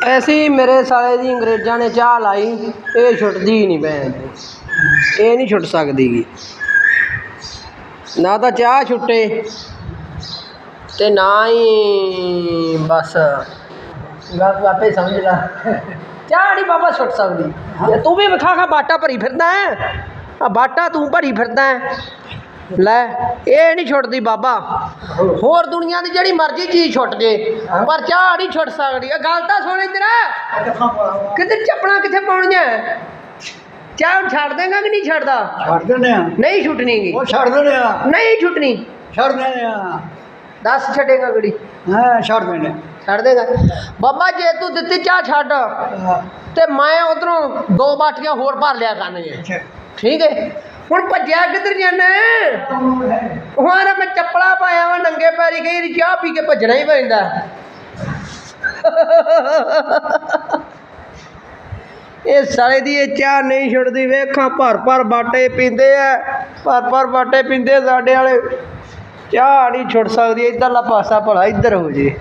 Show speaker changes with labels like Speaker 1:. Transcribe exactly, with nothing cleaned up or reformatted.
Speaker 1: ऐसी मेरे साले दी अंग्रेज़ां ने चाह लाई, ये छुटदी ही नहीं भैन, ये नहीं छुट सकदी गी। ना तो चाह छुट्टे ते ना ही बस गल तू आपे समझ ला। चाह नहीं बाबा छुट सकदी। तू भी खा खा बाटा भरी फिरदा है, बाटा तू भरी फिरदा है लै, ये नहीं छुटदी बाबा। होर दुनिया की जिहड़ी मर्जी चीज़ छुट जे पर चाह नहीं छुट सकदी। गल तां सुन इधर, किधर चप्पलां कित्थे पाउणियां? चाह हुण छड्ड देंगा कि नहीं छड्डदा?
Speaker 2: छड्ड दिन्ने आ।
Speaker 1: नहीं छुटनी गी?
Speaker 2: ਉਹ ਛੱਡ ਦਿੰਦੇ ਆ।
Speaker 1: नहीं छुटनी?
Speaker 2: ਛੱਡ ਦਿੰਦੇ ਆ।
Speaker 1: दस छड्डेगा गड़ी?
Speaker 2: ਹਾਂ ਛੱਡ ਦਿੰਦੇ ਆ।
Speaker 1: छड्ड देगा बाबा। जे तू दित्ती चाह छड्ड ते मैं उधरों दो बाटियां होर भर लिया करनियां, ठीक है? हुण भज्जिया किधर जाना? हुण मैं चप्पला पाया वा नंगे पैरी, कई चाह पी के भज्जना ही पैंदा। ये साले दी ये चाह नहीं छुटदी। वेखां भर भर बाटे पींदे आ, भर भर बाटे पींदे साडे वाले। चाह नहीं छुट सकदी। इधरला पासा भला इधर हो जे।